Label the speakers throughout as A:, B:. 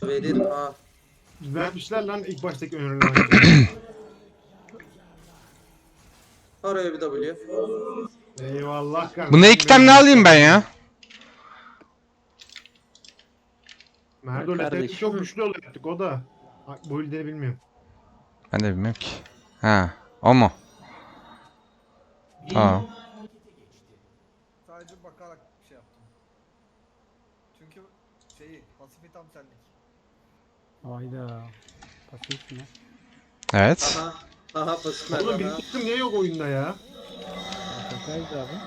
A: verir ha.
B: Düzeltmişler lan ilk baştaki önerilen.
A: Araya bir W.
B: Eyvallah kanka.
C: Buna iki tane alayım ben ya.
B: Merdo
D: Kardeşim.
B: çok güçlü olacaktık o da. Bu ildeni bilmiyorum.
C: Ben de bilmiyorum ki. Ha, o mu? Tamam.
E: Sadece bakarak bir şey yaptım. Çünkü pasifi tam senlik.
F: Hayda. Pasif mi?
C: Evet.
A: Aha. Aha pasif
B: Oğlum
A: Merdan
B: benim
A: ha.
B: kızım niye yok oyunda ya?
F: AFK'ydı abi.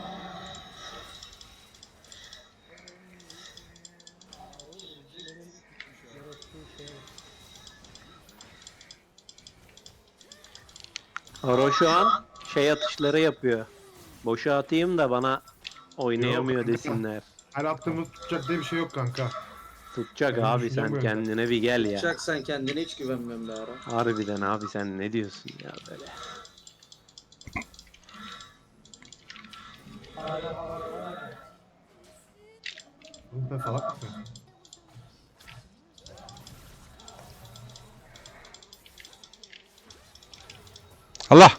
D: Aro şu an şey atışları yapıyor. Boşa atayım da bana oynayamıyor
B: Yok.
D: desinler.
B: Her attığımız tutacak diye bir şey yok kanka.
D: Tutacak
B: Benim
D: abi
B: düşüncem
D: sen
B: bu yönde.
D: kendine bir gel ya.
A: Çak sen kendine hiç güvenmiyorum be ara.
D: Harbiden abi sen ne diyorsun ya böyle.
B: Oğlum sen salak mısın?
C: Allah.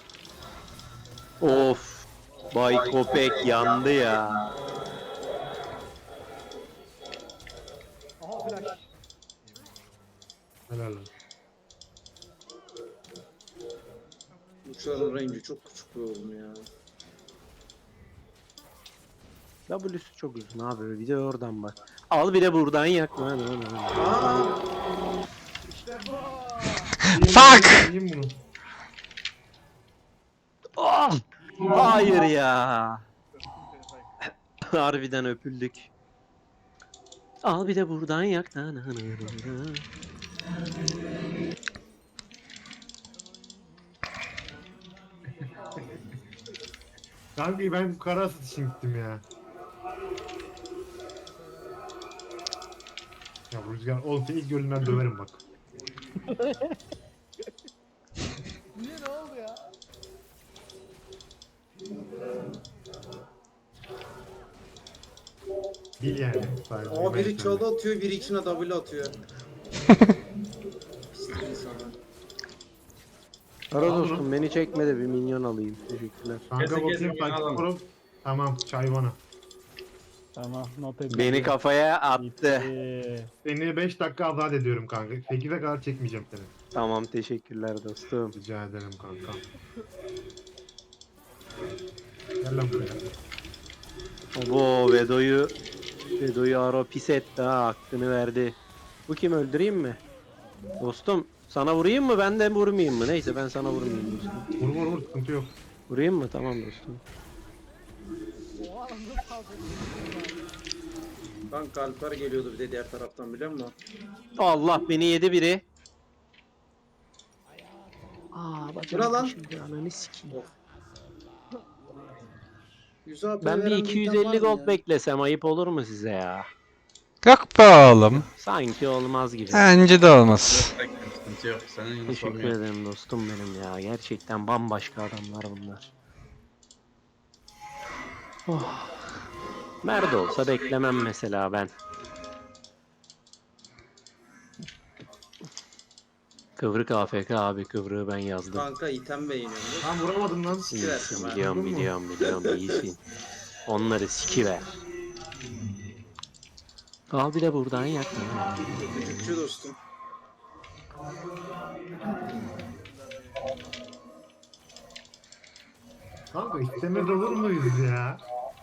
D: Of. Bay Kopek yandı ya.
E: Aha flash.
B: Helal olsun.
A: Uçların range'i çok küçük be oğlum ya.
D: W'su çok uzun abi bir de oradan bak. Al bir de buradan yak. Lan.
A: Aa,
C: Fuck!
B: Yiyeyim bunu.
D: Ah! Hayır ya. Harbiden öpüldük. Al bir de buradan yak.
B: Kanka ben kara asıt için gittim ya. Ya bu Rüzgar oğlum seni ilk gördüğümden döverim bak.
E: Niye ne oldu ya?
B: Değil yani. Sadece
A: ama biri
B: ben
A: çalı atıyor, biri içine W atıyor. Pislik insanlar.
D: Ara
B: Al bunu.
D: dostum beni çekme de bir minyon alayım. Teşekkürler.
B: Kanka
G: Kesin
B: bakayım
G: kesin
B: takip
G: alalım.
B: kurum. Tamam çay bana.
F: Tamam not edildi.
D: Beni kafaya attı.
F: Bitti.
B: Seni 5 dakika azat ediyorum kanka. 8'e kadar çekmeyeceğim seni.
D: Tamam teşekkürler dostum.
B: Rica ederim kanka. Gel lan buraya.
D: Abo Vedo'yu Aro pis etti ha hakkını verdi. Bu kim öldüreyim mi? Dostum sana vurayım mı ben de vurmayayım mı? Neyse ben sana vurmayayım dostum.
B: Vur vur vur sıkıntı yok.
D: Vurayım mı? Tamam dostum.
E: Oha nasıl kaldı?
A: Kanka Alper geliyordu bir de diğer taraftan biliyor musun?
D: Allah beni yedi biri.
A: Bura lan.
D: Şimdi ananı sikeyim.
A: Yüz AP
D: Ben bir
A: veren item var
D: 250
A: mı
D: gold
A: ya?
D: beklesem ayıp olur mu size ya?
C: Yok be oğlum.
D: Sanki olmaz gibi.
C: Bence de olmaz.
G: Sıkıntı yok. Senin yine
D: Teşekkür
G: sorun yok.
D: ederim dostum benim ya. Gerçekten bambaşka adamlar bunlar. Oh. Nerede olsa beklemem mesela ben. Kıvrık AFK abi kıvrığı ben yazdım.
A: Kanka item beğeniyorum.
B: Lan vuramadım lan.
A: Sikiversin ben.
D: Biliyorum
B: Anladın mı?
D: biliyorum iyisin. Onları sikiver. Al bir de buradan yak.
A: Küçükçü dostum.
B: Kanka istemez olur muyuz ya?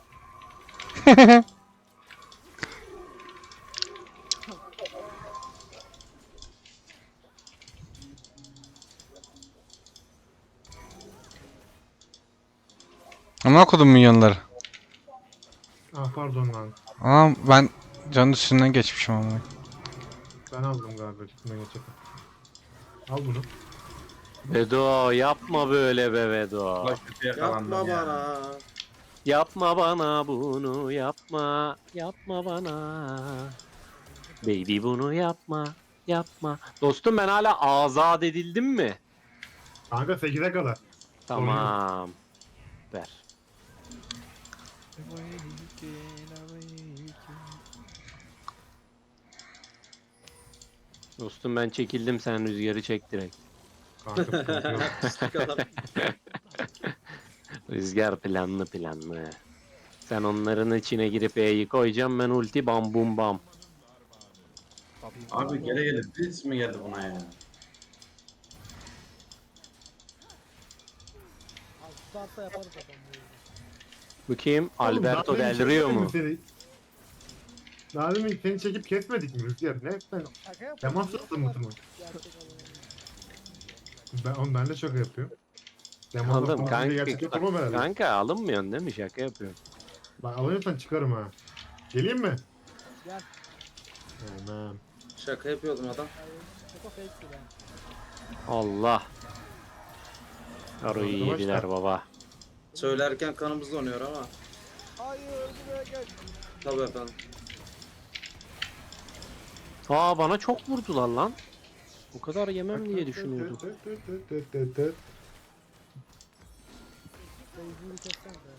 C: Ama okudum milyonları.
B: Ah pardon lan.
C: Ama ben canın üstünden geçmişim ama.
B: Ben aldım galiba üstüne geçip. Al bunu.
D: Vedo yapma böyle be Vedo.
G: Bak kötü yakalandım
A: Yapma
G: ya.
A: bana.
D: Yapma bana bunu yapma. Yapma bana. Baby bunu yapma. Yapma. Dostum ben hala azat edildim mi?
B: Kanka 8'e kadar.
D: Tamam. Ver. Dostum ben çekildim, sen rüzgarı çek direkt.
B: Kanka sıkıntı yok.
A: Pislik adam.
D: Rüzgar planlı planlı. Sen onların içine girip E'yi koyacağım, ben ulti bam bum bam.
G: Abi gele gele biz mi geldi buna ya?
E: Tutarsa yaparız adam bu yüzden.
D: Bu kim?
B: Oğlum,
D: Alberto
B: daha demin
D: Del Rio
B: çekmedim
D: mu?
B: seni. Daha demin seni çekip kesmedik mi Rüzgar? Ne sen?
E: Şaka yapıyorum.
B: Temas yaptın mı tımı?
E: Gerçek adamı.
B: Ben de şaka yapıyorum.
D: Oğlum
B: Gerçek
D: kanka,
B: yapamam herhalde.
D: kanka alınmıyorsun değil mi? Şaka yapıyorum.
B: Bak alıyorsan çıkarım ha. Geleyim mi?
E: Gel.
B: Hemen.
A: Şaka yapıyordum adam.
E: Çok fake'ti ben.
D: Allah. Aro'yu
B: Arkadaşlar.
D: yediler baba.
A: Söylerken kanımız donuyor ama.
E: Hayır buraya gel.
A: Tabii efendim.
D: Aa bana çok vurdular lan. Bu kadar yemem diye düşünüyordum.
E: Beyzini kessen de.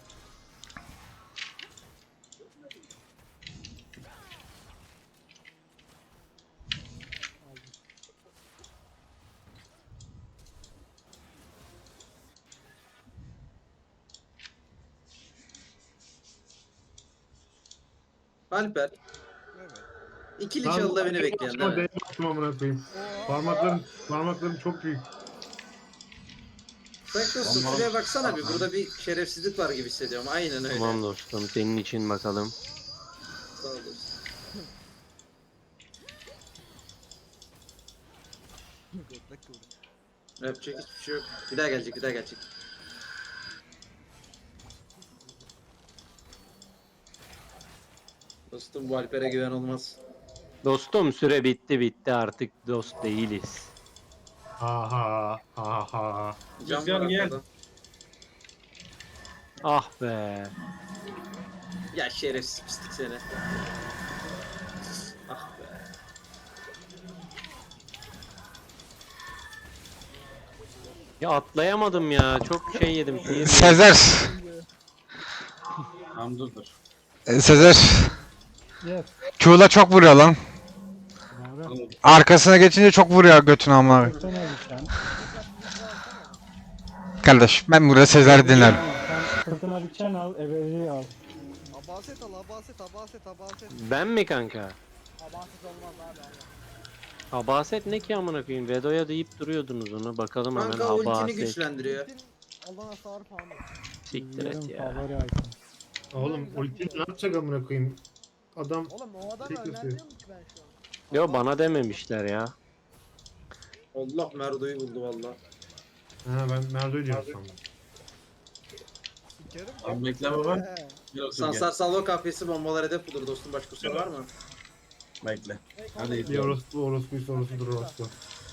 A: Alper.
E: Evet.
A: İkili çalıda beni bekleyen değil mi?
B: Değme attım amına koyayım. Parmaklarım çok büyük.
A: Sen dostum şuraya baksana bir. Burada bir şerefsizlik var gibi hissediyorum. Aynen öyle.
D: Tamam dostum, senin için bakalım.
A: Sağ ol dostum.
E: Götlek kıvrı.
A: Yapacak hiçbir şey yok. Bir daha gelecek, bir daha gelecek. Dostum bu Alper'e güven olmaz.
D: Dostum süre bitti artık dost değiliz.
B: Aha aha.
A: Can
G: Rüzgar
A: var
G: gel.
A: arkada.
D: Ah be.
A: Ya şerefsiz pislik seni. Ah be.
D: Ya atlayamadım ya. Çok şey yedim. Sinir yedim.
C: Sezer.
G: Tamam dur.
C: Sezer.
F: Yes.
C: Q'la çok vuruyor lan.
F: Doğru.
C: Arkasına geçince çok vuruyor götünü amına.
F: Sen ne sen?
C: Kardeş ben burada Sezer'i dinlerim.
F: Sen sırtına bir çen al, ebeliği al.
E: Abaset al, abaset.
D: Ben mi kanka?
E: Abaset olmaz abi.
D: Abaset ne ki amına koyayım? Vedo'ya deyip duruyordunuz onu. Bakalım hemen
A: Kanka ultini
D: Abaset.
A: güçlendiriyor.
E: Allah hasarı falan.
D: Siktir et
F: Benim
D: ya.
F: favori item.
B: Oğlum ulti ne yapacak amına koyayım? Adam
E: Oğlum o adamı
B: Tek
E: önermiyorum
B: gösteriyor.
E: ki ben şu an.
D: Yo bana dememişler ya.
A: Allah Merdo'yu buldu valla.
B: ha ben Merdo'yu diyorum sandım.
E: Sikerim.
G: Abi bekle baba.
E: He.
G: Gel otur
A: Sansar
G: gel.
A: Salvo kafesi bombalar hedef bulur dostum. Başka soru var mı?
G: Bekle.
E: Hey,
G: Hadi
E: oğlum,
G: git.
B: Bir orospuysa orospudur orospu.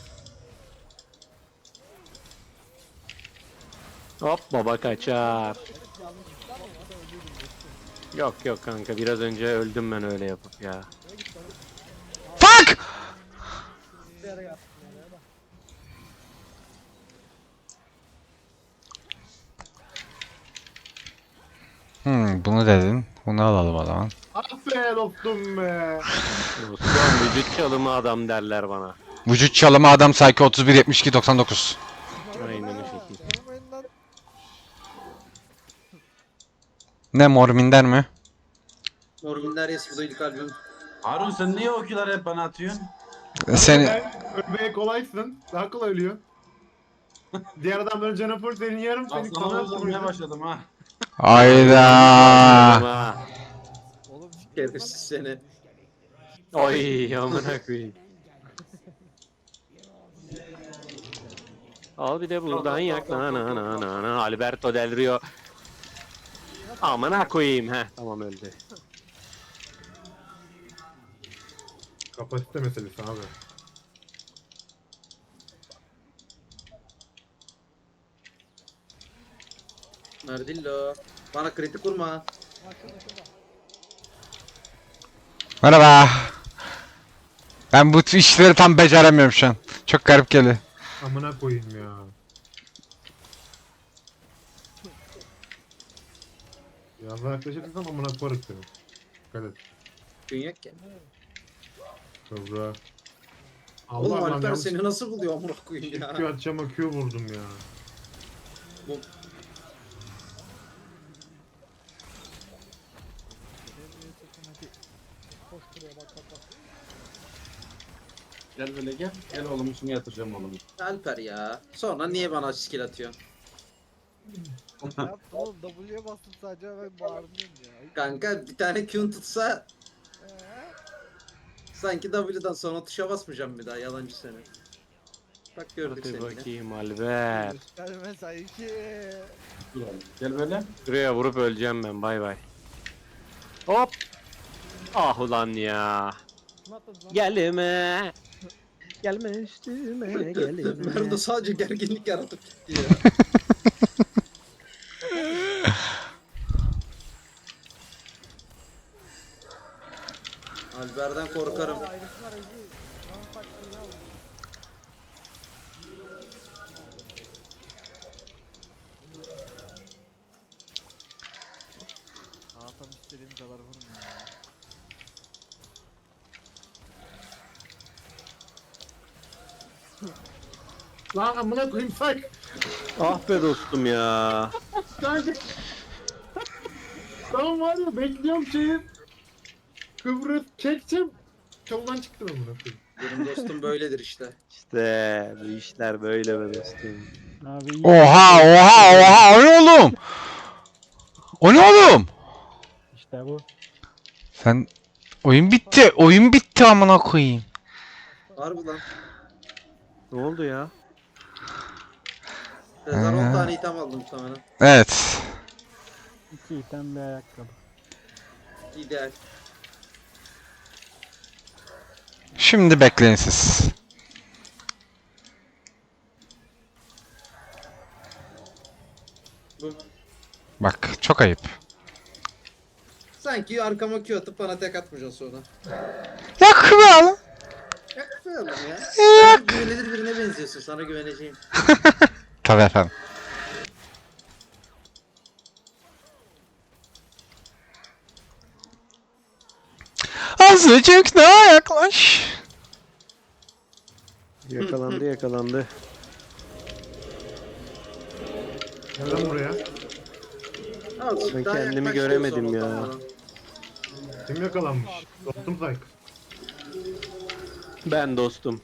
D: Hop baba kaçar.
E: yanlışlıkla mı var? Öldürdüm dostum.
D: Yok kanka, biraz önce öldüm ben öyle yapıp ya.
E: Nereye gitti oğlum?
C: Fuck!
E: Bir yere yaptım ya. Bak.
C: Bunu dedin. Bunu alalım o zaman.
B: Ah be dostum be.
D: Dostum vücut çalımı adam derler bana.
C: Vücut çalımı adam Psycho 31 72 99.
D: Aynen o
E: Ha,
D: şekilde.
E: sormayın lan.
C: Ne Morminder mi?
A: Morbinder yes bu da ilk albüm.
G: Harun sen niye o kiları hep bana atıyorsun?
C: Seni
B: Sen ölmeye kolaysın. Daha kolay ölüyorsun. Diğer adamların canı full senin yarım
G: Bak
B: senin
G: sana
B: kanal
G: vurmaya başladım ha.
C: Hayda.
D: Ha.
E: Oğlum
A: Şerefsiz seni.
D: Oy amına koyayım. Al bir de buradan yak. Na. Alberto Del Rio. Amına koyayım. Heh tamam öldü.
B: Kapasite meselesi abi.
A: Merdillo. Bana kritik vurma.
E: ha şurada.
C: Merhaba. Ben bu işleri tam beceremiyorum şu an. Çok garip geliyor.
B: Amına koyayım ya. Biraz daha yaklaşırsan amına koyarım seni. Dikkat et.
A: Gün yok ki.
B: Kıvra.
A: Oğlum
B: Allah
A: Alper
B: yanlış
A: seni nasıl buluyor amına koyayım ya.
B: Q atacağım Q vurdum ya.
G: Gel böyle gel. Gel oğlum şunu yatıracağım oğlum.
A: Alper ya. Sonra niye bana skill atıyorsun?
E: Ne yaptın oğlum? W'ye bastım sadece ben bağırdım ya.
A: Kanka bir tane Q'un tutsa
E: Ee?
A: sanki W'dan sonra tuşa basmayacağım bir daha yalancı seni. Bak gördük
D: Hadi
A: seni yine.
D: bakayım Alper.
E: Gösterme sanki.
G: Dur oğlum. Gel böyle.
D: Şuraya vurup öleceğim ben bay bay. Hop. Ah ulan ya.
F: Kim atladı lan?
D: Gelme. Gelme üstüme gelme.
A: Merdo sadece gerginlik yaratıp gitti ya. Alper'den korkarım.
F: Ayrısınlar Ezi. Lan sakın ya.
E: Hakan istediğim kadar vurun ya.
B: Lan amına koyayım sak.
D: Ah be dostum ya.
B: Sanki. Tamam var ya bekliyorum şeyi. Kıbrıs çekeceğim. Çoldan çıktım amına koyayım.
A: Benim dostum böyledir işte.
D: İşte bu işler böyle be dostum.
F: Abi iyi.
C: Oha oha oha o ne oğlum? O ne oğlum?
F: İşte bu.
C: Sen oyun bitti. Oyun bitti amına koyayım.
A: Harbi lan.
D: Ne oldu ya?
A: Rezar 10 tane item aldım muhtemelen.
C: Evet.
F: 2 item bir ayakkabı.
A: İdeal.
C: Şimdi bekleyin siz.
A: Bu.
C: Bak çok ayıp.
A: Sanki arkama Q atıp bana tek atmayacaksın sonra.
C: Ya kral.
A: Yapmayalım ya. Sen güvenilir birine benziyorsun. Sana güveneceğim.
C: Tabii efendim. Azıcık daha yaklaş.
D: Yakalandı yakalandı.
B: Gel lan buraya.
A: Azıcık
D: Ben
A: daha
D: kendimi
A: yaklaş
D: göremedim
A: diyorsun
D: ya.
A: ortamdan.
B: Kim yakalanmış? Dostum sak.
D: Ben dostum.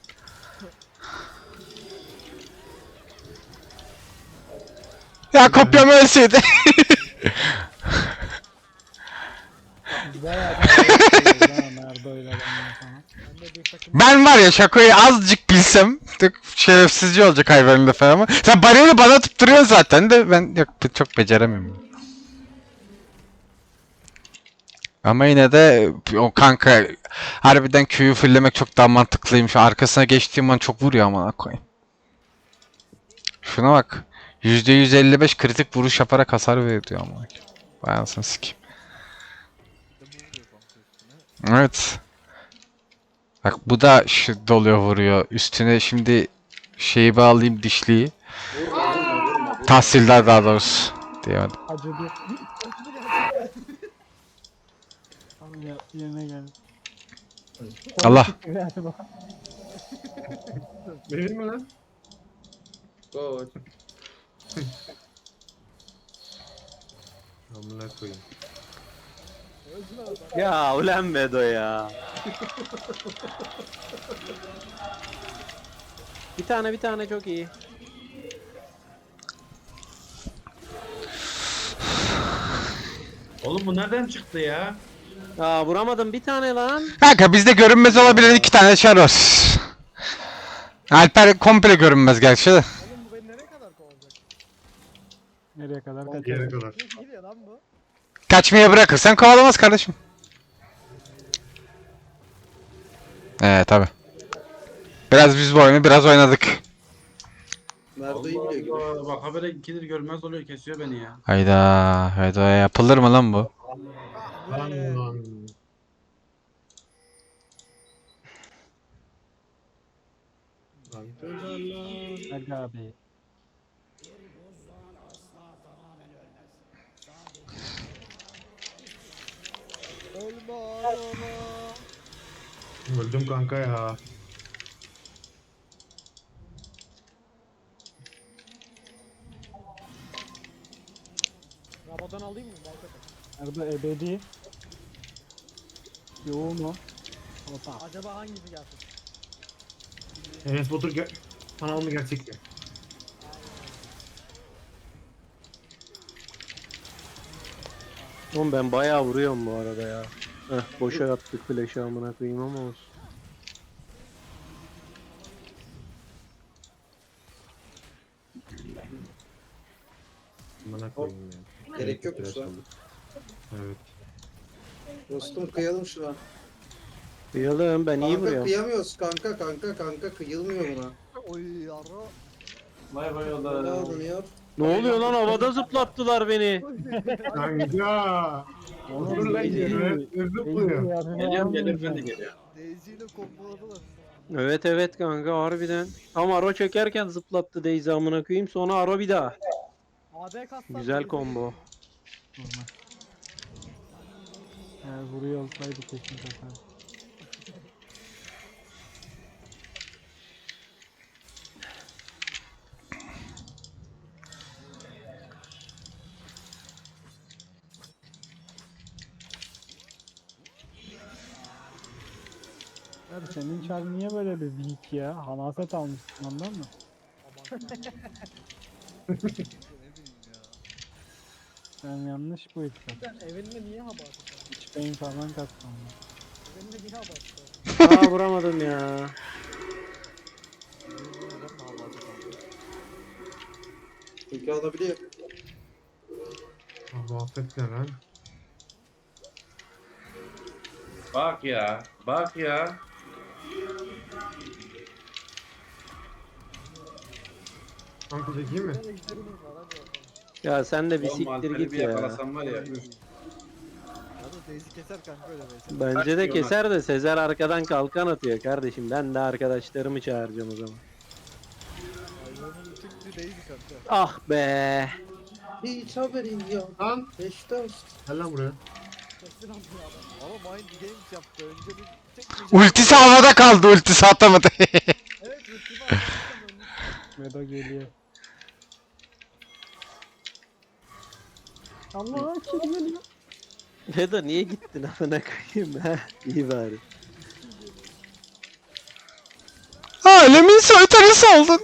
C: Ya kopyam ölseydi.
F: Bayağı bir Merdo'yla benden sana. Ben de bir takım
C: Ben var ya şakayı azıcık bilsem tık şerefsizce olacak hayvanın lafı ama sen bariyeri bana tutturuyorsun zaten de ben yok çok beceremiyorum. Ama yine de o kanka harbiden Q'yu fulllemek çok daha mantıklıymış. Arkasına geçtiğim an çok vuruyor ama koyayım. Şuna bak. %155 kritik vuruş yaparak hasar veriyor ama. Vay anasını sikeyim.
E: Bir de bu vuruyor kanka üstüne.
C: Evet. Bak bu da şu doluyor vuruyor. Üstüne şimdi şeyi bağlayayım dişliyi.
A: Vurma vurma vurma. vurma.
C: Tahsildar daha doğrusu. Diyemedim.
F: acıdı. Abi ya yerine gel.
C: Allah.
F: Galiba.
B: Benim mi lan?
A: Gol.
B: Amına koyayım.
D: Ya ulan Bedo ya. Bir tane çok iyi.
G: Oğlum bu nereden çıktı ya?
D: Aa vuramadım bir tane lan.
C: Kanka bizde görünmez olabilen 2 tane çar var. Alper komple görünmez gerçi de.
E: Oğlum bu beni nereye kadar kovacak?
F: Nereye kadar
B: Yere
F: kaçacak?
B: kadar.
E: Ne gidiyor lan bu?
C: Kaçmaya bırakırsan kovalamaz kardeşim. Tabi. Biraz biz bu oyunu biraz oynadık.
A: Merdo'yu
G: Allah
A: biliyor gibi.
G: Allah. Bak habere ikidir görmez oluyor kesiyor beni ya.
C: Hayda yapılır mı lan bu?
B: Lan lan.
F: Aga abi.
E: Ölme ağlama.
B: Öldüm kanka ya.
F: Odan alayım mı? Nerede ebedi? Yoğun o. Ota. Acaba hangisi gelsin?
B: Enes Batur kanal mı gerçek mi?
D: Oğlum ben bayağı vuruyorum bu arada ya. Heh, boşa attık flash'ı amına koyayım ama olsun.
B: Bana koyayım ya.
A: Gerek yokmuş lan.
B: Evet.
A: Dostum kıyalım şuna.
D: Kıyalım ben iyi
A: Kanka
D: vuruyorum.
A: kıyamıyoruz kanka kıyılmıyor buna.
E: Oy yara.
G: Bay bay
A: Ne
G: oğlum.
A: oluyor?
D: Ne oluyor lan, havada zıplattılar beni.
B: Kanka. Olur lan yürü. Zıplıyor.
G: Geliyorum geliyorum ben de geliyorum.
E: Daisy ile komboladılar.
D: Evet kanka harbiden. Tam Aro çekerken zıplattı Daisy amına koyayım, sonra Aro bir daha.
F: AD kastan
D: Güzel combo.
F: Eğer vuruyor olsaydı kesin kasar. Abi senin çar niye böyle bir weak ya? Hamaset almışsın ondan mı?
E: Ne bileyim ya.
F: Sen yanlış bu ittifak. Evinde niye hava atıyorsun? Hiç beyin falan katmam. Evinde niye hava atıyorsun?
D: Aa vuramadım ya.
A: Çünkü alabiliyor.
B: Abi affet ne lan?
G: Bak ya. Bak ya.
B: Kanka çekeyim mi?
D: Ya sen de bir
G: Oğlum
D: siktir
G: Alper'i
D: git
G: bir
D: ya.
G: yakalasam var ya. Üf.
E: Ya da Daisy keser kanka öyle mesela.
D: Bence de
G: Kaç diyor
D: keser de Sezer arkadan kalkan atıyor kardeşim. Ben de arkadaşlarımı çağıracağım o zaman.
E: Hayvanın tüktü Daisy kanka.
D: Ah be.
A: Hiç haberin yok.
B: Lan.
A: Beşiktaş.
B: Gel lan buraya.
E: Ama Mind Games yaptı. Önce bir tek
C: Ultisi havada kaldı, ultisi atamadı.
E: Evet ultimi atmıştım.
F: Vedo geliyor. Allah kim geliyor?
D: Vedo niye gittin amına koyayım ha? İyi bari.
C: Alemin soytarısı oldun.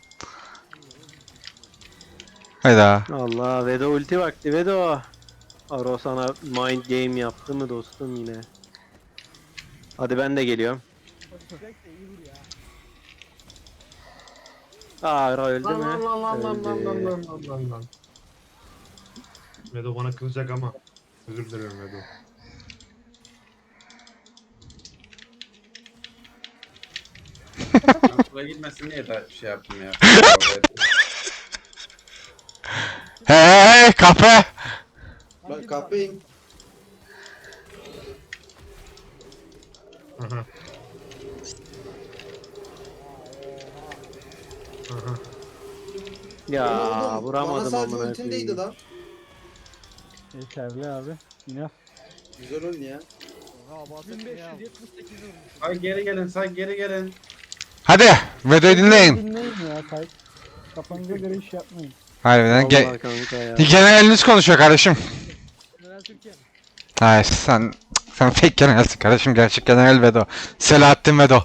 C: Hayda.
D: Allah, Vedo ulti vakti Vedo. Aro sana mind game yaptı mı dostum yine? Hadi ben de geliyorum.
F: Direkt de iyi vur ya.
D: Aa Aro öldü
B: Lan
D: mü?
B: lan lan lan lan lan
D: Öldü.
B: lan lan lan lan lan. Vedo bana kızacak ama. Özür dilerim Vedo.
G: Ben buraya gitmesin diye de şey yaptım ya.
C: Hey kafe.
A: Ben kapayım.
B: Aha. Aha.
D: Ya
A: Oğlum,
D: vuramadım
A: bana sadece
D: amına
A: ultindeydi
D: koyayım.
F: lan. Yeterli abi. Yine.
A: Güzel oyun ya.
E: Ha bahsettim ya.
F: 1578 vurmuş.
G: Say geri gelin, say geri gelin.
C: Hadi Vedo'yu dinleyin.
F: Dinleyin ya say. Kafanıza göre iş yapmayın.
C: Harbiden
D: Vallahi kanka ya.
C: generaliniz konuşuyor kardeşim.
F: General Türkiye mi?
C: Hayır sen fake generalsin kardeşim, gerçek general Vedo. Selahattin Vedo.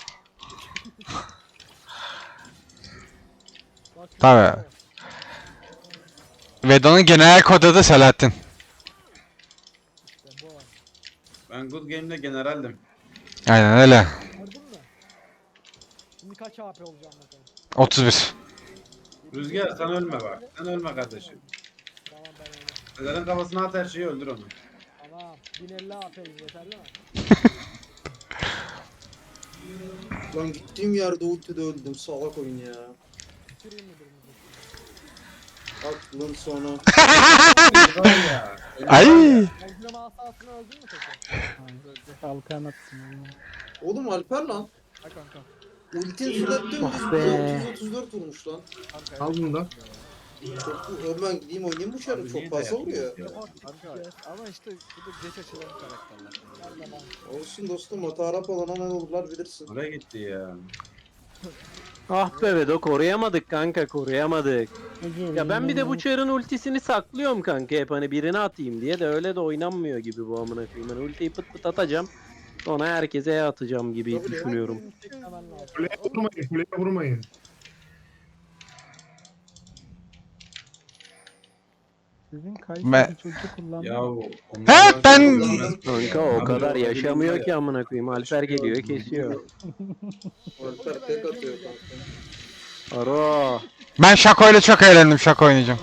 F: Bak,
C: Tabii. Vedo'nun general kodu da Selahattin.
F: işte bu var.
G: Ben Good Game'de generaldim.
C: Aynen öyle.
F: Gördün mü? Şimdi kaç AP olacağım bakalım.
C: 31.
G: Rüzgar sen ölme bak. Sen ölme kardeşim.
F: Tamam ben öyle.
G: Sezer'in kafasına at her şeyi öldür onu.
F: Tamam. 1050 AP yeterli mi?
A: Lan gittiğim yerde ultide öldüm. Salak oyun ya.
F: Bitireyim mi birimizi?
A: Aklın sonu.
G: Var ya.
C: Ay.
F: Ezrama asasını öldün mü peki? Hayır. Kalkan atsın.
A: Oğlum Alper lan.
E: Ha kanka.
A: Ultin fırlattı
D: Ah be.
A: 234 vurmuş lan.
E: Kanka.
B: Al bunu da.
A: Çok ben gideyim oynayayım bu şarkı.
G: Abi
A: Çok
G: niye
A: fazla
G: dayak
A: vuruyor.
G: yiyorsun ya?
E: Kanka. Ama işte bu da geç açılan karakterler.
A: Olsun dostum Matarap olana ne olurlar bilirsin.
G: Oraya gitti ya.
D: Ah be Vedo, koruyamadık kanka, koruyamadık. Ya ben bir de bu çarın ultisini saklıyorum kanka hep hani birini atayım diye de öyle de oynanmıyor gibi bu amına koyayım. Hani ultiyi pıt pıt atacağım. Sonra herkese atacağım gibi düşünüyorum.
B: Kuleye vurmayın, kuleye vurmayın.
F: Sizin
C: Ben-
F: Kayseri çocuğu kullandı.
G: Ya
F: mı?
C: He, ben-
D: Kanka o
G: Abi,
D: kadar
G: o
D: yaşamıyor
G: elimde-
D: ki amına koyayım. Alper geliyor kesiyor.
A: Alper tek atıyor kanka.
D: Aro.
C: Ben Şako'yla çok eğlendim. Şako oynayacağım.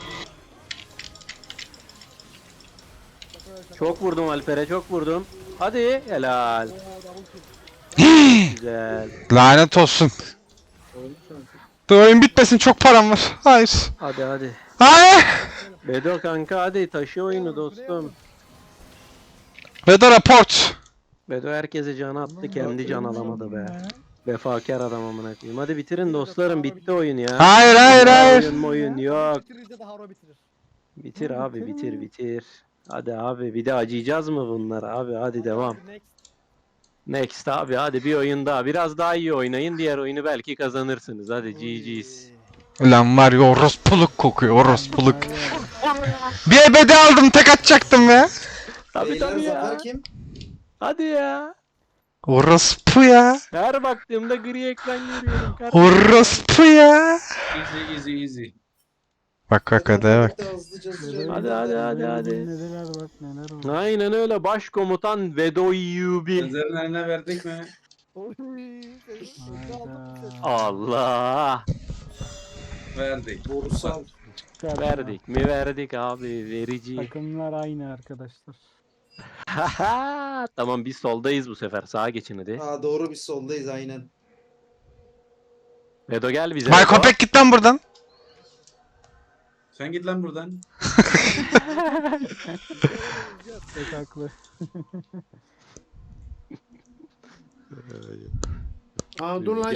D: Çok vurdum Alper'e çok vurdum. Hadi helal. Güzel.
C: Lanet olsun. Dur oyun bitmesin, çok param var. Hayır.
D: Hadi.
C: Hayır.
D: Bedo kanka hadi taşı oyunu dostum.
C: Ve de raport.
D: Bedo herkese can attı kendi can alamadı be. Vefakar adam amına koyayım. Hadi bitirin dostlarım bitti oyun ya.
C: Hayır hayır hayır.
D: Oyun yok.
E: Bitirince de Haro bitirir.
D: Bitir abi bitir. Hadi abi bir de acıyacağız mı bunlara abi hadi devam.
E: Next.
D: Next abi hadi bir oyun daha. Biraz daha iyi oynayın diğer oyunu belki kazanırsınız. Hadi GG's.
C: Ulan var ya, orospuluk kokuyor, orospuluk. Bir ebedi aldım, tek atacaktım ya.
D: Tabii
A: Beyler
D: tabii ya.
A: zafer kim?
D: Hadi ya.
C: Orospu ya.
D: Her baktığımda gri ekran görüyorum kardeşim.
C: Orospu ya.
G: Easy.
C: Bak hadi bak.
D: Hadi.
F: Neler bak neler var.
D: Aynen öyle başkomutan Vedoyubi.
G: Sözlerin eline verdik mi?
E: Oy. Seni sözü aldım.
F: Hayda.
D: Allah.
G: Verdik.
A: Borsal.
D: Verdik mi verdik abi verici.
F: Takımlar aynı arkadaşlar.
D: Tamam biz soldayız bu sefer sağa geçin hadi.
A: Aa doğru biz soldayız aynen.
D: Vedo gel bize.
C: Bay
D: Vedo.
C: Köpek git lan buradan.
G: Sen git lan buradan.
F: Çok haklı.
B: Aa dur lan